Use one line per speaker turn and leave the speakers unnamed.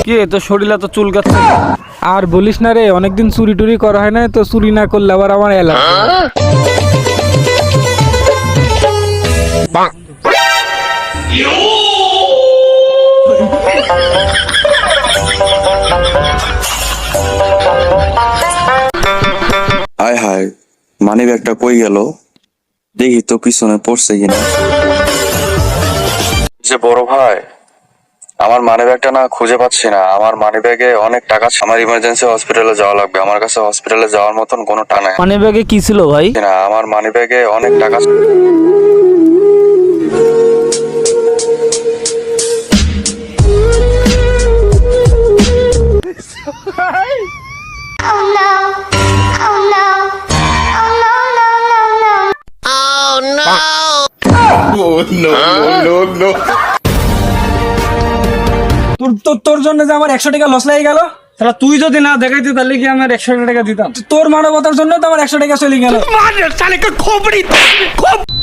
কি তো শরীরে তো চুল গাচ্ছে। আর বলিস না রে, অনেকদিন চুরি টুরি করা হয় না, তো চুরি না করলে আবার আমার এলাকা।
হায় হায়, মানি ব্যাগটা কই গেল? দেখি তো পিছনে পড়ছে কিনা। যে বড় ভাই, আমার মানি ব্যাগটা না খুঁজে পাচ্ছি না। আমার মানি ব্যাগে অনেক টাকা আছে। আমার ইমার্জেন্সি হসপিটালে যাওয়া লাগবে। আমার কাছে হসপিটালে যাওয়ার মতন কোনো টাকা নেই।
মানে ব্যাগে কি ছিল ভাই?
না, আমার মানি ব্যাগে অনেক টাকা।
Oh no. Oh no. Oh no, no, no, no.
তোর জন্য যে আমার 100 টাকা লস লেগে গেল, তাহলে তুই যদি না দেখাইতে তাহলে কি আমার 100 টাকা দিতাম? তোর মানবতার জন্য তো আমার 100 টাকা চলে গেল।